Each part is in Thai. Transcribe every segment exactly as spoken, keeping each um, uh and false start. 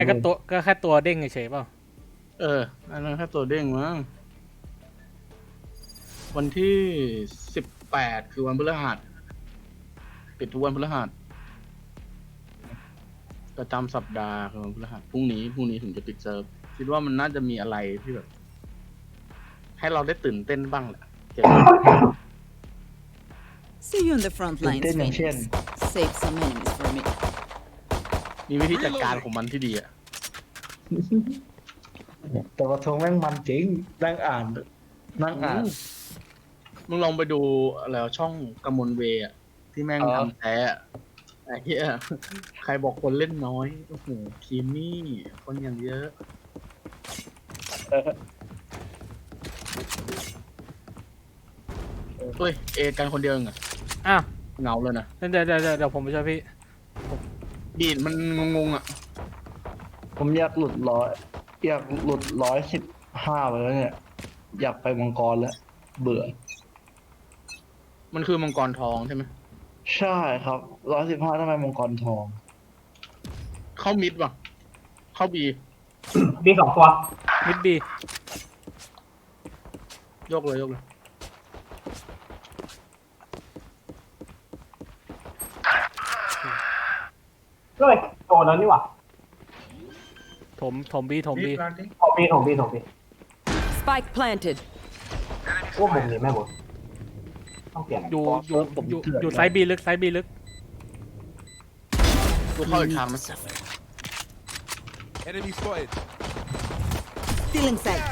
ก็ตัวก็แค่ตัวเด้งเฉยๆเปล่าเอออันนั้นแค่ตัวเด้งมั้งวันที่สิบแปดคือวันพฤหัสปิดทุกวันพฤหัสประจำสัปดาห์คือวันพฤหัสพรุ่งนี้พรุ่งนี้ถึงจะปิดเซิร์ฟคิดว่ามันน่าจะมีอะไรที่แบบให้เราได้ตื่นเต้นบ้างแหละเกี่ยวกับ See you on the front ตื่น lines, เต้นอย่างเช่น Phoenix. Save some enemies for me. มีวิธีจัดการของมันที่ดีอะแต่ว่าทงแม่งมันจริงนั่งอ่านนั่งอ่านมึงลองไปดูแล้วช่องกมลเวย์อะที่แม่งอ๋อทำแท้อะไอ้เหี้ยใครบอกคนเล่นน้อยโอ้โหคีมี่คนอย่างเยอะเฮ้ยเอกันคนเดียวเองอะอ้าวเหงาเลยนะเดี๋ยวเดี๋ยวเดี๋ยวเดี๋ยวผมไปช่วยพี่บีดมันงงๆอะผมอยากหลุดร้อยอยากหลุดร้อยสิบห้าไปแล้วเนี่ย อยากไปมังกรแล้ว เบื่อมันคือมังกรทองใช่ไหมใช่ครับร้อยสิบห้าทำไมมังกรทองเข้ามิดว่ะเข้าบีบีสองตัวมิดบียกเลยยกเลยเฮ้ยโดนแล้วนี่หว่าถมถมบีถมบีโอบีโอบีโอบี Spike planted. ว่ามุมนี้ไม่หมดต้องเปลี่ยนอยู่อยู่ผมอยู่เถื่อนอยู่ไซส์บีลึกไซส์บีลึกกูเข้าอีกทางไหม Enemy spotted. Stealing sight.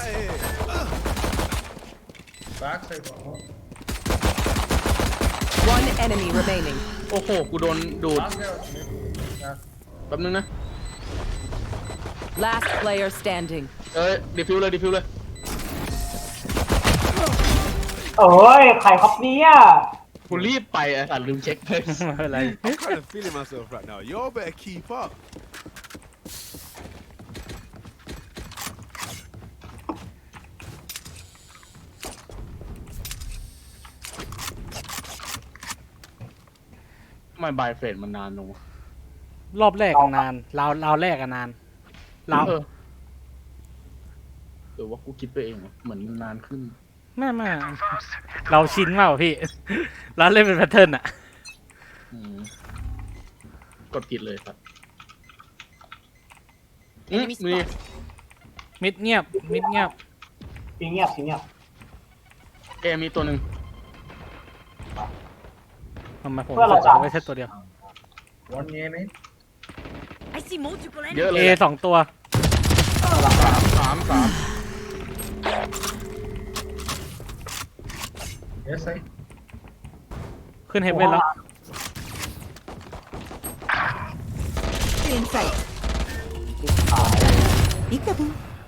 One enemy remaining. โอ้โหกูโดนดูดแป๊บนึงนะ Last player standing. เอ้ยดิฟิวเลยดิฟิวเลยเอ้ยใครครับเนี่ยกูรีบไปอ่ะลืมเช็คเลยไม่เป็นไร I'm kind of feeling myself right now. Y'all better keep up. ทำไมบายเฟรนมันนานลงวะรอบแรกอะนานราวราวแรกอะนานราวเออหรือว่ากูคิดไปเองวะเหมือนมันนานขึ้นไม่ไม่เราชินมากกว่าพี่ เราเล่นเป็นแพทเทิร์นอะอืมกดผิดเลยครับอืมมีมิดเงียบมิดเงียบปีเงียบปีเงียบเอมีตัวหนึ่งทำไมผมเพื่อนเรารู้สึกจับว่าไม่ใช่ตัวเดียว I see multiple เยอะเลเอยอะสองตัวสามสามสามขึ้นเฮฟเว่นแล้ว Stealing sight. Peekaboo.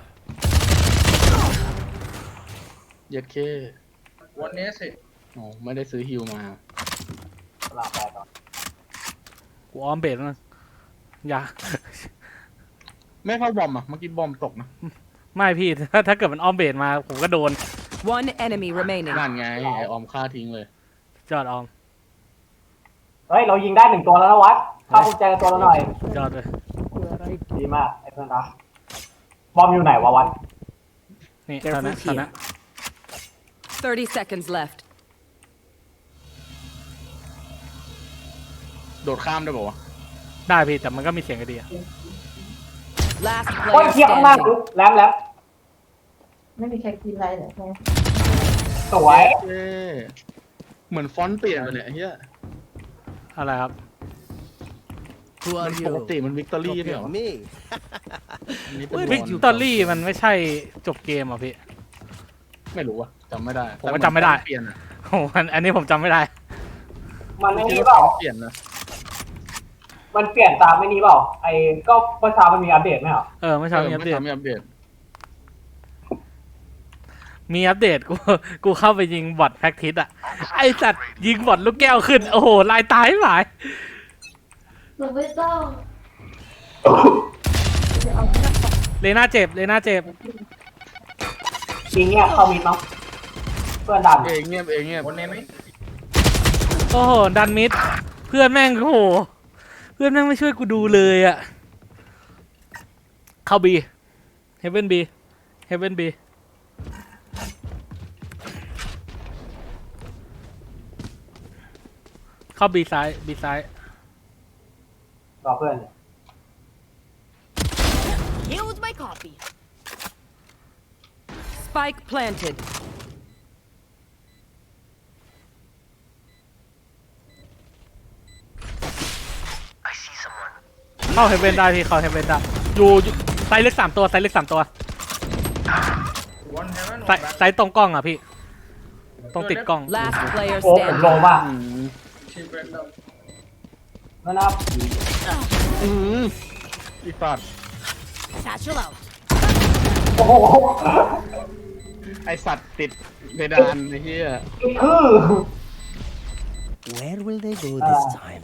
เย็ดเควันนี้สิโอ้ไม่ได้ซื้อฮิวมาเวลาแปดต่อกูออมเบสแล้วนะอย่าไม่เข้าบอมอ่ะเมื่อกี้บอมตกนะไม่พี่ ถ้าถ้าเกิดมันออมเบสมาผมก็โดน One enemy remaining. นั่นไงไอออมฆ่าทิ้งเลยจอดออมเฮ้ยเรายิงได้หนึ่งตัวแล้วนะวัดเข้ากุญแจตัวละหน่อยจอดเลยดีมากไอ้เพื่อนรักบอมอยู่ไหนวะวัดนี่ Careful ตอนนั้นตอนนั้น Thirty seconds left. โดดข้ามได้ป่าวะได้พี่แต่มันก็มีเสียงกระเดีย Last โอ้ย player เทียบข้างหน้า standing. แลมแลมไม่มีใครกินอะไรเลยใช่ไหมสวยเย้เหมือนฟอนต์เปลี่ยนไปเนี่ยไอ้เฮียอะไรครับ Who มันปกติมันวิกตอรี่ใช่เหรอ me. อันนี้เป็นวิกบอลตอรี่มันไม่ใช่จบเกมอ่ะพี่ไม่รู้ว่ะจำไม่ได้ผมก็จำไม่ได้แต่เหอนฟอนต์เปลี่ยนอะโอ้อันอันนี้ผมจำไม่ได้มันไม่คิดนี่ว่าเปล่าฟอนต์เปลี่ยนนะมันเปลี่ยนตามไม่นี้เปล่าไอ้ก็เมื่อเช้ามันมีอัปเดตไหมเหรอเออเมื่อเช้ามีอัปเดตไม่ทำไม่อัปเดตมีอัปเดตกูกูเข้าไปยิงบอทแพ็กทิสอ่ะไอสัตว์ยิงบอทลูกแก้วขึ้น โอ้โหลายตายหลายหนูไม่ต้องเลน่าเจ็บเลน่าเจ็บปีเงียบเข้ามิดมั้งเพื่อนดันเองเงียบเองเงียบวันนี้ไหมโอ้โหดันมิดเพื่อนแม่งโอ้โหเพื่อนแม่งไม่ช่วยกูดูเลยอ่ะเข้าบีเฮเว่นบีเฮเว่นบีเข้าบีซ้ายบีซ้ายรอเพื่อนเนี่ย Here's my copy. Spike planted. เข้าเฮเว่นได้พี่เข้าเฮเว่นได้อยู่อยู่ไซส์เล็กสามตัวไซส์เล็กสามตัวไซส์ไซส์ตรงกล้องอ่ะพี่ต้องติดกล้อง Last player โอ้ผมโล standing. มากแล้วนะครับอีสัตว์ Satchel out. โอ้โหไอสัตว์ติดเพดานไอ้เหี้ยคือ Where will they go this time?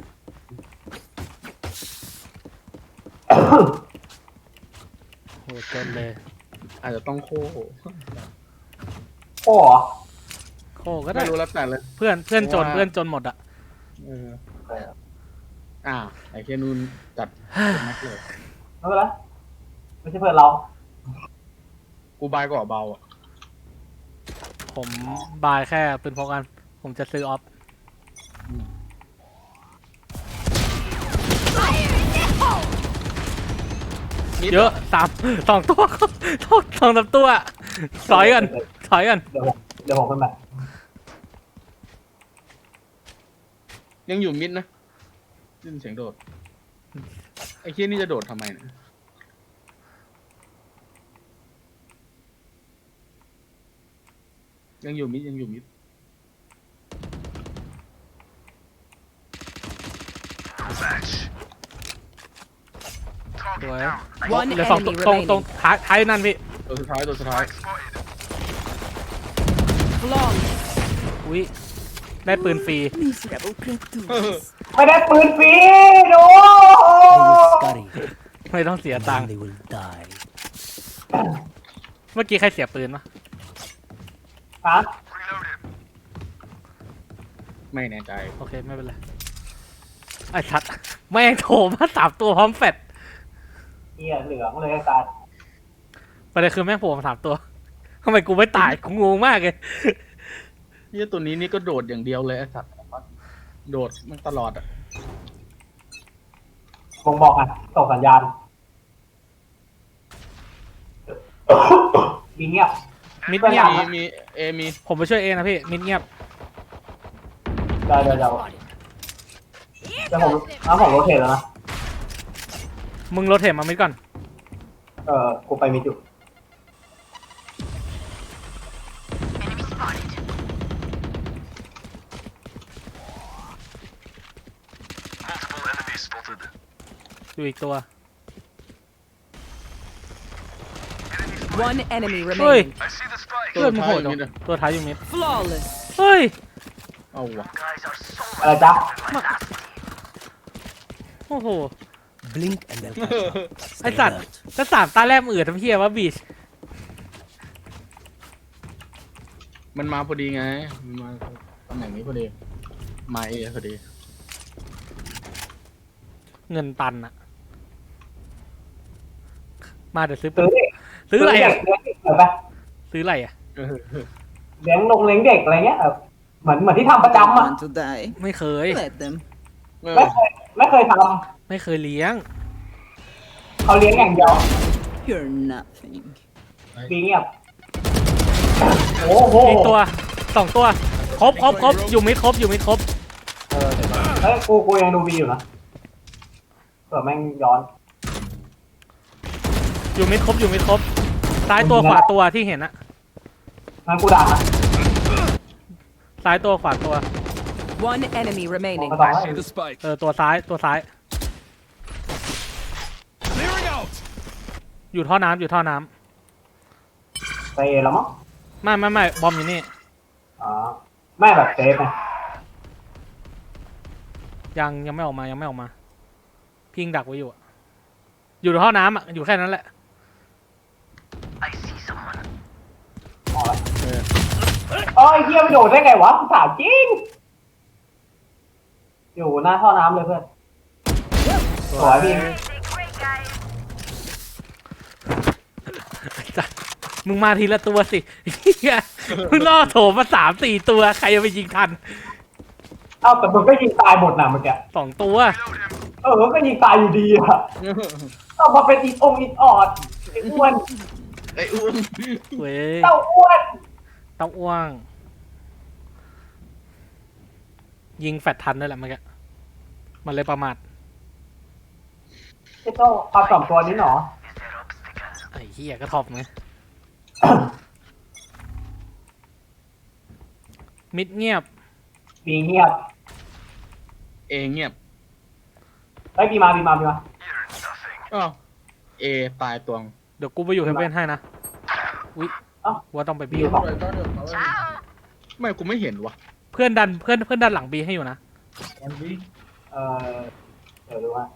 โหจนเลยอาจจะต้องโค้โอ้เหรอโคก็ได้ไม่รู้แล้วแต่เลยเพื่อนเพื่อนจนว่าเพื่อนจนหมดอ่ะเอออ่าไอ้แค่นูนจัดเป็นแม็กเลยไม่เป็นไรไม่ใช่เพื่อนเรากูบายกว่าเบาอ่ะผมบายแค่ปืนพกกัน ผมจะซื้อออฟ เยอะสามสองตัวสองสองสามตัวถอยกันถอยกันเดี๋ยวผมเดี๋ยวผมเป็นแบบยังอยู่มิดนะยินเสียงโดด ไอ้เคียนี่จะโดดทำไมเนี่ยยังอยู่มิดยังอยู่มิดสวย One เหลือสองตัว enemy ตรงตรง remaining. ท้ายท้ายนั่นพี่ตัวสุดท้ายตัวสุดท้าย Flawless. อุ้ยได้ปืนฟรี Miserable creatures. ไม่ได้ปืนฟรีดู They will scurry, ไม่ต้องเสีย and ตัง then ค์ they will die. เมื่อกี้ใครเสียปืนวะฮะไม่แน่ใจโอเคไม่เป็นไรไอ้ชัดแม่งโถมาสามตัวพร้อมแฟดเหี้ยเหลืองเลยตาประเด็นคือแม่งโผล่มาสามตัวทำไมกูไม่ตายกูงงมากเลยเฮียตัวนี้นี่ก็โดดอย่างเดียวเลยไอ้สัตว์โดดมันตลอดอ่ะผมบอกอ่ะส่งสัญญาณมีเงียบมิดเงียบมีมีเอมีผมไปช่วยเองนะพี่มิดเงียบเดี๋ยวเดี๋ยวเดี๋ยวเดี๋ยวผมน้ำผมโรเทตแล้วนะมึงโรเทตมามิดก่อนเออกูไปมิดอยู่อยู่อีกตัว One enemy เฮ้ย remaining. เพื่อนมึงโหดตัวจังท้ายอยู่มิดอะตัวท้ายอยู่มิด Flawless. เฮ้ยเอาวะอะไรจ๊ะโอ้โห Blink and they'll catch up. ไอ Stay สัตว์ alert. ก็สามตาแรกมือทำเพี้ยวะบีชมันมาพอดีไงมันมาตำแหน่งนี้พอดีมาเอพอดีเงินตันอะมาเดี๋ยวซื้อปืซื้อน ดิซื้ออะไรอะเลี้ยงเด็กเหรอปะซื้ออะไรอะเลี้ยงนงเลี้ยงเด็กอะไรเงี้ยเออเหมือนเหมือนที่ทำประจำอ่ะ Want to die? ไม่เคย Let them. ไม่เคยไม่เคยทไม่เคยเลี้ยงำเขาเลี้ยงอย่างเดียว You're nothing. ปีเงียบโอ้โหอีกตัวสองตัวครบครบครบอยู่มิดครบอยู่มิดครบเออเดี๋ยวก่อนเฮ้ยกูกูยังดูบีอยู่นะเผื่อแม่งย้อนอยู่มิดครบอยู่มิดครบซ้ายตัวขวาตัวที่เห็นอะงั้นกูด่านะซ้ายตัวขวาตัว One enemy มอง remaining. กระต่าย See the spike. เออตัวซ้ายตัวซ้าย Clearing out. อยู่ท่อน้ำอยู่ท่อน้ำไปแล้วมั้งไม่ไม่ไม่บอมอยู่นี่อ๋อไม่แบบเซฟไงยังยังไม่ออกมายังไม่ออกมา พิงดักไว้อยู่อะอยู่ท่อน้ำอะอยู่แค่นั้นแหละอ๋อแล้วเอ้ยเฮียไปโดดได้ไงวะถามจริง อยู่หน้าท่อน้ำเลยเพื่อนสวยพี่มึงมาทีละตัวสิเหี้ยมึงล่อโถมมาสามสี่ตัวใครจะไปยิงทันเอ้าแต่มึงก็ยิงตายหมดนะเมื่อกี้สองตัวเออก็ยิงตายอยู่ดีอะเอามาเป็นอีองอีออดไอ้อ้วนไอ้อุ้มเว้ยเต้าอ้วนเต้าอ้วง ยิงแฟดทันด้วยแหละเมื่อกี้มันเลยประมาทไอ้เต้าเอาสองตัวนี้หนอไอ้เหี้ยก็ทอบไง มิดเงียบบีเงียบเอเงียบไอ้บีมาบีมาบีมาอ้าวเอตายตวงเดี๋ยวกูไปอยู่เฮเว่นให้นะ อุ๊ยเอ้าว่าต้องไปบีบีบอกไม่กูไม่เห็นวะเพื่อนดันเพื่อนเพื่อนดันหลังบีให้อยู่นะเออเดี๋ยวดูว่า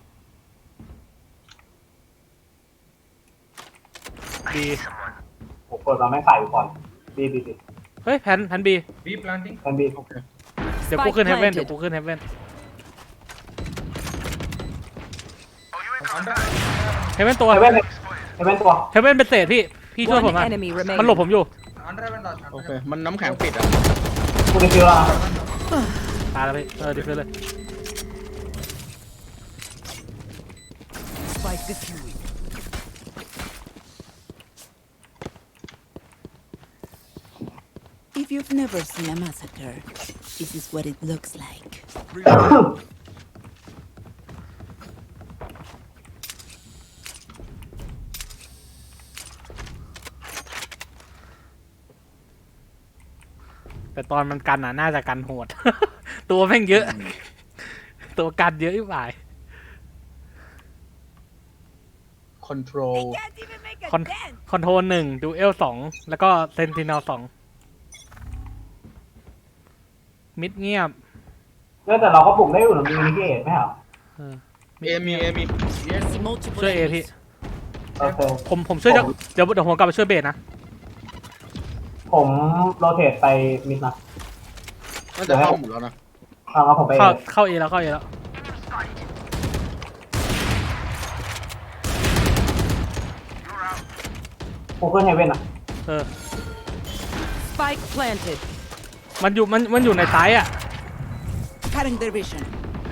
บีผมเปิดมาไม่ใส่อยู่ก่อนบีบีบีเฮ้ยแพนแพนบีเป็นบีเดี๋ยวกูขึ้นเฮเว่นเดี๋ยวกูขึ้นเฮเว่นเฮเว่นตัวเฮเว่นเฮเว่นตัวเฮเว่นเป็นเศษพี่ พี่ช่วยผม One หน่อย enemy มันหลบ remaining. ผมอยู่โอเค มันน้ำแข็งปิดอ่ะกูจะฟิวละตายแล้วพี่ เออดิฟเลย Spike defused. If you've never seen a massacre, this is what it looks like. แต่ตอนมันกันอ่ะน่าจะกันโหด ตัวแม่งเยอะ ตัวกันเยอะอีกฝ่ายคอนโทรล Can't even make a คอน dent. คอนโทรลหนึ่งดูเอลสองแล้วก็เซนติเนลสองมิดเงียบเนี่ยแต่เราก็ปลุกได้อยู่หรือมีนิเกตไหมครับเออเอมีเอมี See multiple ช่วยเอ enemies. พี่โอเคผมผมช่วยจะเดี๋ยวเดี๋ยวผมกลับไปช่วยเบสนะผมโรเทตไปมิดนะน่าจะเข้าหมดแล้วนะเอาเอาผมไปเข้าเข้าเอแล้วเข้าเอแล้วกูขึ้นเฮเว่นอ่ะเออ Spike planted. มันอยู่มันมันอยู่ในซ้ายอ่ะ Cutting their vision.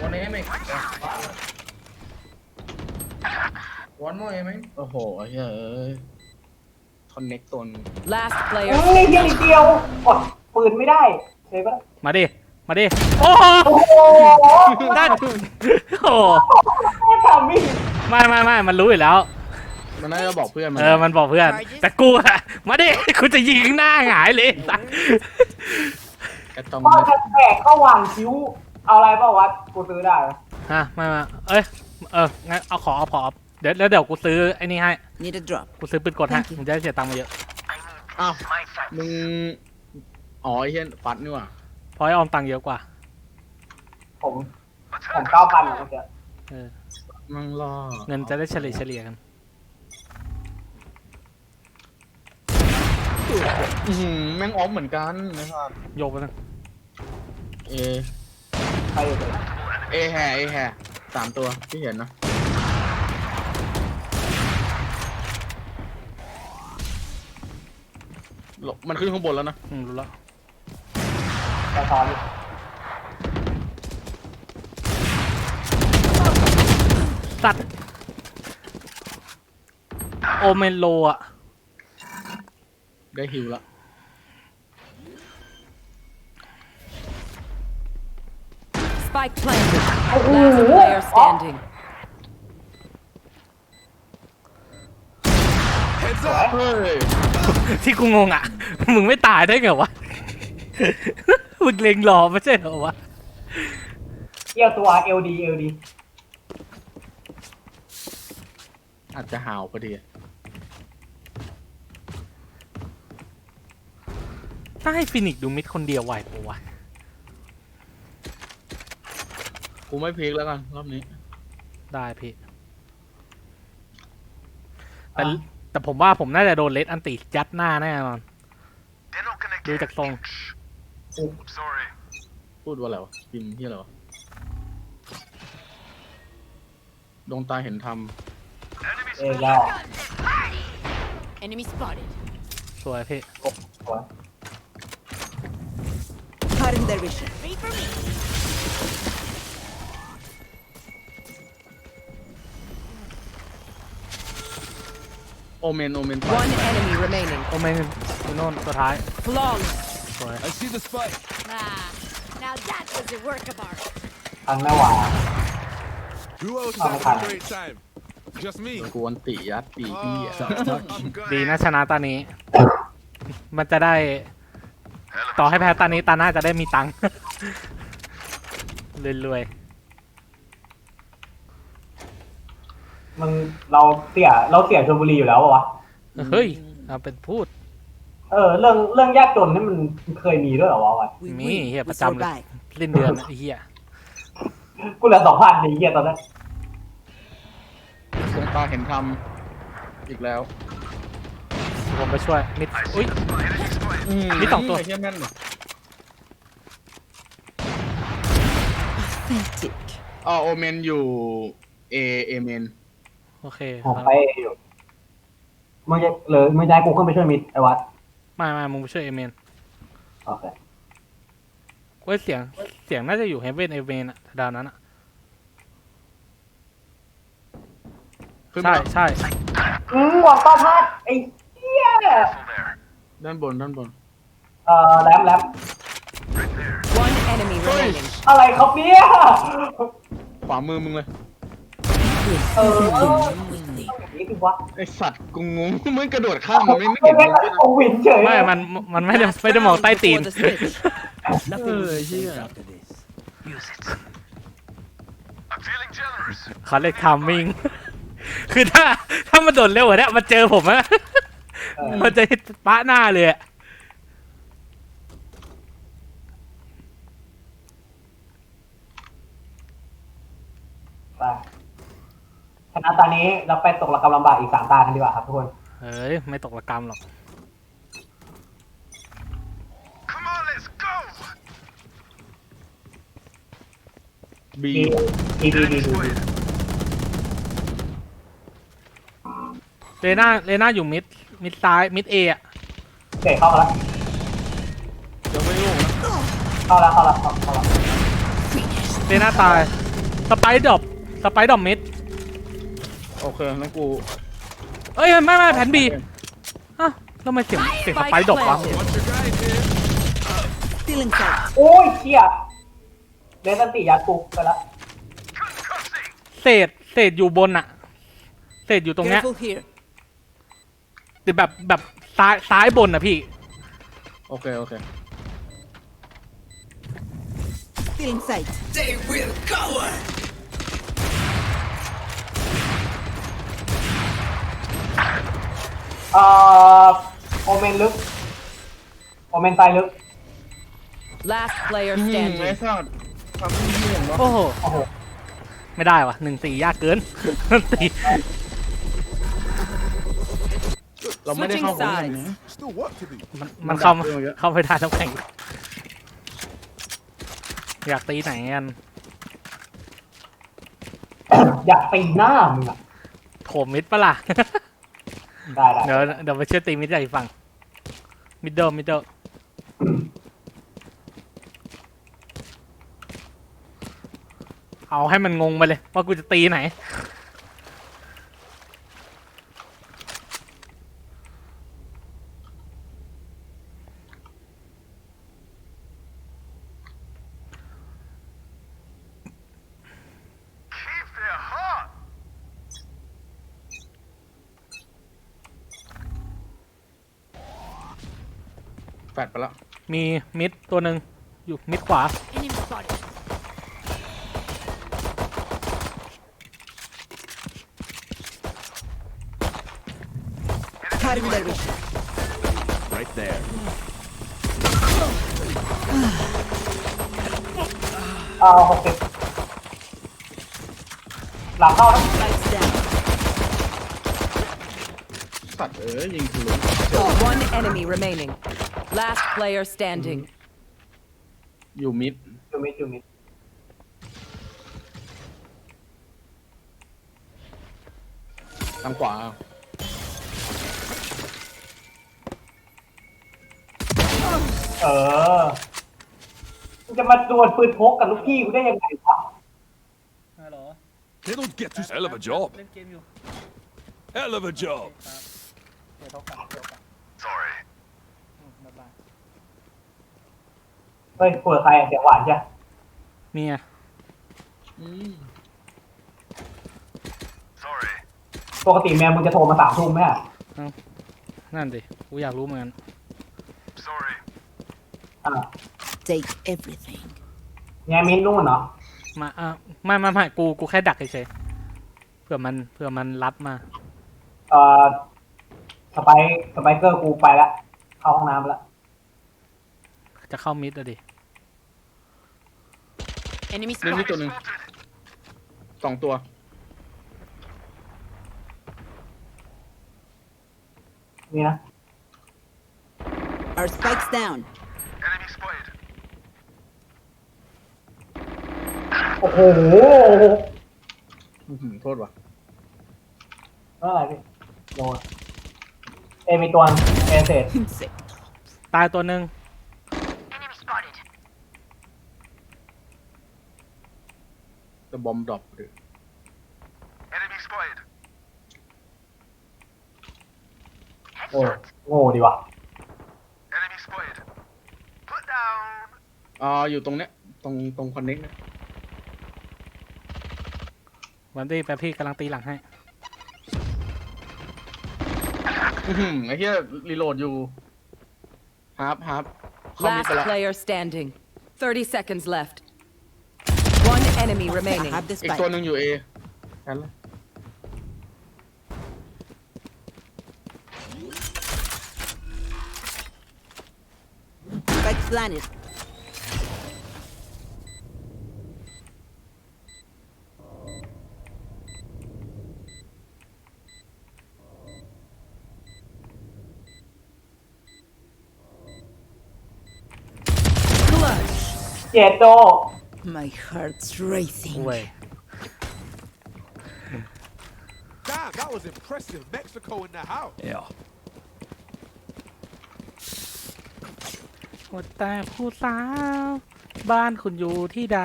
โอ้โหไอ้เหี้ยเอ้ยคอนเน็กตัวนึง Last เฮ้ player ย standing. เฮียนิดเดียวกดปืนไม่ได้เลยปะมาดิ มาดิ โอ้โอ้โหได้โอ้ไม่ทำมิดไม่ไม่ไม่มันรู้อยู่แล้วมันน่าจะบอกเพื่อนมันเออ มันบอกเพื่อน แต่กูอะมาดิ กูจะยิงหน้าหงายเลยสัสกระตองพ่อจะแตกเข้าวางคิ้ว เอาอะไรเปล่าวะกูซื้อได้ปะฮะไม่ไม่เอ้ย เออ งั้นเอาขอเอาขอเดี๋ยวแล้วเดี๋ยวกูซื้อไอ้นี่ให้ Need a drop. กูซื้อปืนกดให้มึงจะได้เสียตังค์มาเยอะอ้าวมึงอ๋อไอ้เหี้ยฟัดนี่หว่าเพราะไอ้ออมตังค์เยอะกว่าผมผมเก้าพันเมื่อกี้เออมังล่อเงินจะได้เฉลี่ยเฉลี่ยกันอื้อหือแม่งออฟเหมือนกันนะครับโยกไปนะเอใครอยู่เลยเอแห่เอแห่สามตัวที่เห็นนะหลบมันขึ้นข้างบนแล้วนะอืมรู้แล้วตาตอนอยู่สัตว์โอเมนโลอะได้ฮิวละ Spike planted. Last player standing. Heads เฮ้ยที่กูงงอะมึงไม่ตายได้ไงวะ มึงเล็งรอไม่ใช่เหรอวะเกี่ยวตัวเอลดีเอลดีอาจจะหาวพอดีถ้าให้ฟินิกซ์ดูมิดคนเดียวไหวปะวะกูไม่พลิกแล้วกันรอบนี้ได้พี่ แต่แต่ผมว่าผมน่าจะโดนเลสอันติยัดหน้าแน่นอน ดูจากทรงพูดว่าอะไรวะพิมพ์ที่อะไรวะดวงตาเห็นธรรมเอยาว Enemy spotted. สวยพี่สวย Cutting their vision. โอเมนโอเมน One enemy remaining. โอเมนอยู่โน่นตัวท้าย Flawless. สวย I see the spike. Ah, now that was a work of art. ทันไม่ไหว Who else Oh, has okay. a great time? Just me. กวนติยัดปีพี่ Oh, อ่ะ I'm glad. ดีนะชนะตานี้ มันจะได้ ต่อให้แพ้ตานี้ตาหน้าจะได้มีตังค์ รวยมึงเราเสียเราเสียชลบุรีอยู่แล้วปะวะๆเฮ้ยเอาเป็นพูดเออเรื่องเรื่องยากจนนี่มันเคยมีด้วยเหรอวะวะ We Me, win. yeah, we but I'm- survive. สิ้นเดือนไอ้เหี้ยกูเหลือสองพันดีเหี้ยตอนนั้นดวงตาเห็นทำอีกแล้วผมไปช่วยมิดอุ้ย มีสองตัวไเหี้ยแม่นเลย Pathetic. อ๋อโอเมนอยู่เอเอเมนโอเคผมไปอยู่มึงจะเลยมึงจะให้กูขึ้นไปช่วยมิดไอ้วัดไม่ไม่มึงไปช่วยเอเมนโอเคเว้ยเสียงเสียงน่าจะอยู่เฮเวนเอเมนอะดาวนั้นอะขึ้นใช่มาใช่อืมหวังต้าพลาดไอ้เหี้ยด้านบนด้านบนเอ่อแรมแรม One enemy remaining. อะไรครับเนี่ยขวามือมึงเลยเออ Quickly. นี่คือวะไอสัตว์กูงงมึงกระโดดข้ามมันไม่ไม่ไม่เห็นไม่มึงด้วยนะโอวินเฉยไม่มันมันไม่ได้ไม่ได้มองใต้ตีน Before the switch. Nothing Uh, is safe yeah. after this. เขาเรียกทามมิ่ง คือถ้าถ้ามันโดดเร็วกว่านี้มันเจอผมอะเออมันจะปะหน้าเลยอะไปชนะตอนนี้เราไปตกระกำลำบากอีกสามตากันดีกว่าครับทุกคนเฮ้ยไม่ตกระกรรมหรอกบีดีดีดีดีดีเลน่าเลน่าอยู่มิดมิดซ้ายมิดเออะเตะเข้ามาแล้วยังไม่รู้นะเข้าแล้วเข้าแล้วเข้าเข้าแล้วเลน่าตายสไปด์ดรอปสไปด์ดรอปมิดโอเคงั้นกูเอ้ยไม่ไม่แผนบีอ้าวแล้วทำไมเสียงเสียงสไปด์ดรอปวะ Watch your guys here. Still inside. โอ้ยเชี่ยเดนสันติยัดกูไปแล้วเศษเศษอยู่บนอะเศษอยู่ตรงเนี้ย Careful here. แต่แบบแบบซ้ายซ้ายบนอะพี่โอเคโอเค Still inside. เอ่อโอเมนลึกโอเมนตายลึก Last player อืมไอ้ standing. สัตว์ทำที่เห็นวะโอ้โหโอ้โหไม่ได้วะหนึ่งสี่ยากเกิน ตีเราไม่ได้เข้าของไหนนะ Still work to do. มันมัมันนเข้าดักเรื่องเยอะเข้าไม่ได้ต้องแข่ง อยากตีไหนกันอยากตีหน้ามึงอะโถมมิดปะล่ะได้ได้เดี๋ยวเดี๋ยวไปช่วยตีมิดใหญ่ฝั่งมิดเดิลมิดเดิลเอาให้มันงงไปเลย ว่ากูจะตีไหนแฟดไปแล้วมีมิดตัวหนึ่งอยู่มิดขวา Enemy spotted. Cutting their vision. Right there. เอ่อหกสิบหลังเข้านะ Lights down. สัตว์เอ้ยยิงทะลุ One enemy remaining. Last player standing. อยู่มิดจูมิดจูมิดทางขวาเออมึงจะมาดวลปืนพกกับลูกพี่กูได้ยังไงวะฮัลโหล They don't get to hell of a job. เล่นเกมอยู่ Hell of a job. เดี๋ยวเขากลับเดี๋ยวกลับ sorry บ๊ายบายเฮ้ยคุยกับใครเสียงหวานใช่เมียอืมปกติแมวมึงจะโทรมาสามทุ่มไหมอะนั่นดิกูอยากรู้เหมือนกันอ่า Take everything. แงมินนู่นเนาะมาอ่ะไม่ไม่ไม่กูกูแค่ดักเฉยๆเผื่อมันเผื่อมันรัดมาเอ่อสไปสไปเกอร์กูไปละเข้าห้องน้ำไปละจะเข้ามิดอะดิ Enemy เล่นนี่ spotted. ตัวหนึ่งสองตัวนี่นะ Our spikes down. โอ้โหอื้อหือโทษว่ะเมื่อไหร่พี่โดนเอมีตัวเอเซต Insect. ตายตัวหนึ่งจะบอมดรอปหรือโอ้โง่ดีว่ะอ่าอยู่ตรงเนี้ยตรงตรงคอนเน็กเนี่ยวันดี้แป๊บพี่กำลังตีหลังให้อื้อหือไอ้เหี้ยรีโหลดอยู่ฮาร์ปฮาร์ปเข้ามิด Last ไปแล้ว player standing. thirty seconds left. One enemy I remaining. have the อีกตัว spike. หนึ่งอยู่เอนั่นแหละ Spike planted. Clutch. เจโด My heart's racing. เว้ย Damn, that was impressive. Mexico in the house. Yeah. หมดแต่ผู้สาว บ้านคุณอยู่ที่ใด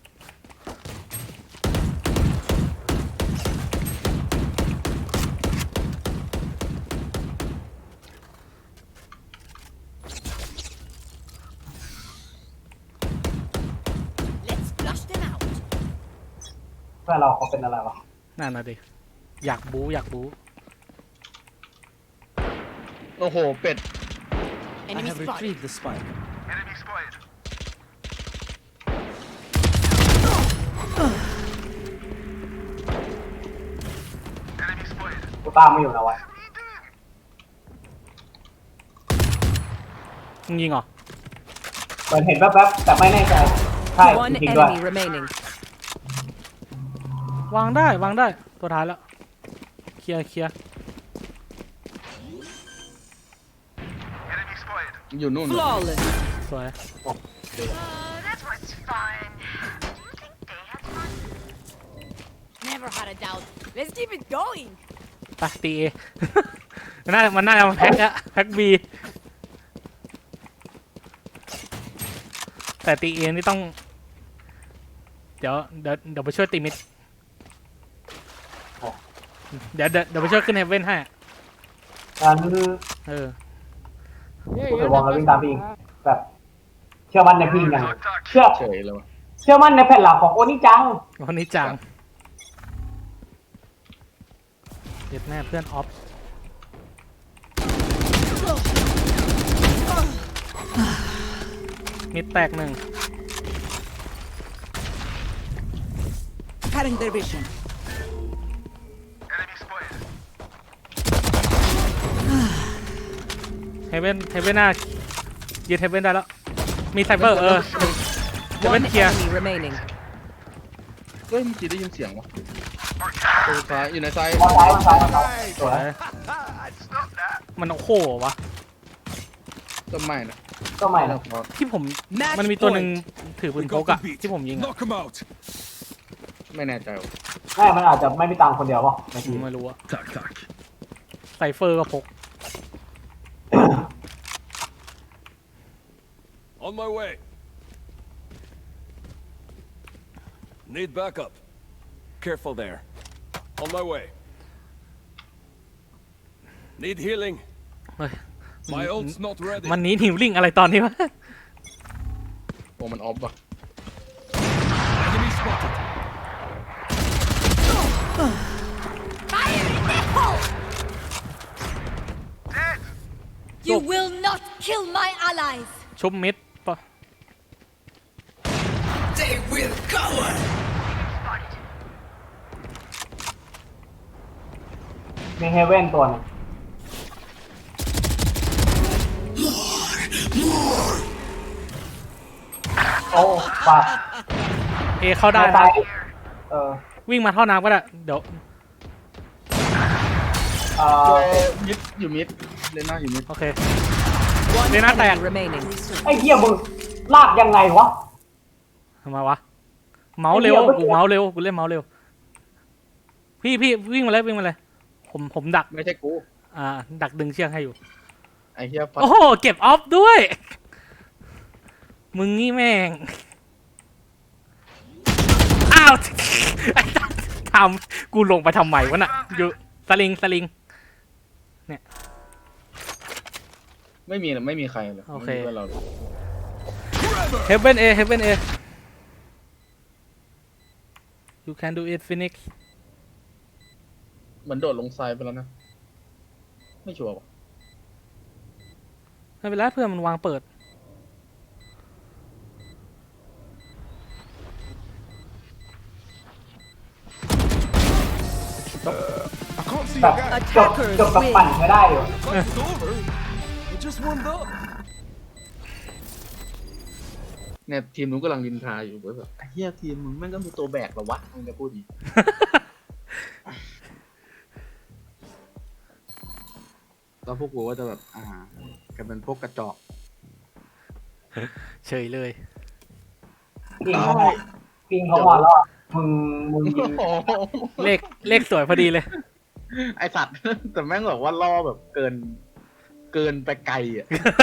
Let's flush them out. เพื่อนเราเขาเป็นอะไรวะนั่นน่ะดิ อยากบู๊อยากบู๊โอ้โห เป็ด I Enemy have spotted. retrieved the spike. กูตามไม่อยู่นะวะมึงยิงเหรอเหมือนเห็นแวบๆแต่ไม่แน่ใจ ใช่ One จริงๆด้วย enemy remaining. วางได้ วางได้ ตัวท้ายแล้ว เคลียร์เคลียร์อยู่นู่น Flawless. สวย Never had a doubt. Let's keep it going. ไปตีเอ มันน่ามันน่าจะมาแพ็กอะแพ็กบี แต่ตีเอนี่ต้อง เดี๋ยวเดี๋ยวเดี๋ยวไปช่วยตีมิด เดี๋ยวเดี๋ยวเดี๋ยวไปช่วยขึ้นเฮเว่นให้งั้นเออกูถือวางแล้ววิ่งตามพี่อิงแบบ เชื่อมั่นในพี่อิงอย่างเชื่อเฉยเลยวะเชื่อมั่นในแผ่นหลังของโอนิจังวันนี้จังเด็ดแม่เพื่อนออฟ มิดแตกหนึ่ง Cutting their vision. เฮเว่นเฮเว่นหน้ายืดเฮเว่นได้แล้ว มีไซเฟอร์เออเฮเว่น One เคลียร์ enemy remaining. เฮ้ยเมื่อกี้ได้ยินเสียงวะตัวซ้ายอยู่ในซ้ายมองซ้ายมองซ้ายมองซ้ายสวยมันโอ้โหวะต้นไม้นะก็ไม่นะที่ผม Match มันมีตัวหนึ่ง point. ถือปื We นพ got กอะ them beat. ที่ผมยิงอะ Knock them out. ไม่แน่ใจวะแม่มันอาจจะไม่มีตังค์คนเดียวป่ะในทีมไม่รู้อะ Tack, tack. ไซเฟอร์ก็พก On my way. Need backup. Careful there. On my way. Need healing. เฮ้ย My ult's not ready. มันหนีหิวลิงอะไรตอนนี้วะโอ้มันออฟว่ะ Enemy spotted. Fire in the hole! You will not kill my allies! ชุบมิดปะ They will cover. มีเฮเว่นตัวหนึงโอ้ปากเอเข้าได้ตานะยเออวิ่งมาท่อน้ำก็ได้ เดี๋ยวเอ่อมิดอยู่มิดเลน่าอยู่มิดโอเค One They're not enemy there. remaining. ไอ้เหี้ยมึงลากยังไงวะทำไมวะ เมาส์เร็วไอ้เหี้ยกูเมาส์เร็ว กูเล่นเมาส์เร็ว พี่พี่วิ่งมาเลยวิ่งมาเลย ผมผมดักไม่ใช่กูอ่า ดักดึงเชือกให้อยู่ไอ้เฮียฟัดโอ้โห เก็บออฟด้วย มึงนี่แม่ง อ้าว ไอ้สัสทำกูลงไปทำไมวะน่ะ อยู่สลิงสลิงไม่มีไม่มีใครเลยโอเคไม่มีพื่อนเราเลยเฮเ e นเอเฮเ e นเอ you can do it Phoenix เหมือนโดดลงทรายไปแล้วนะ ไม่ชัวร์ว่ะไม่เป็นไรเพื่อนมันวางเปิด I can't see แบบ your guy. จบจบกับปั่นไม่ได้อยู่ Fight's over. We just warmed up. เนี่ยทีมนู้นกำลังดินทาอยู่ว่าแบบไอ้เฮียทีมมึงแม่งก็มีตัวแบกเหรอวะมึงจะพูดดีกแล้วพวกกูก็จะแบบอ่ากันเป็นพวกกระจอกเฉยเลยปิงเขามาปิงเขามาแล้วอะมึงมึงยิงเลขเลขสวยพอดีเลยไอสัตว์ แต่แม่งบอกว่าล่อแบบเกิน เกินไปไกลอ่ะ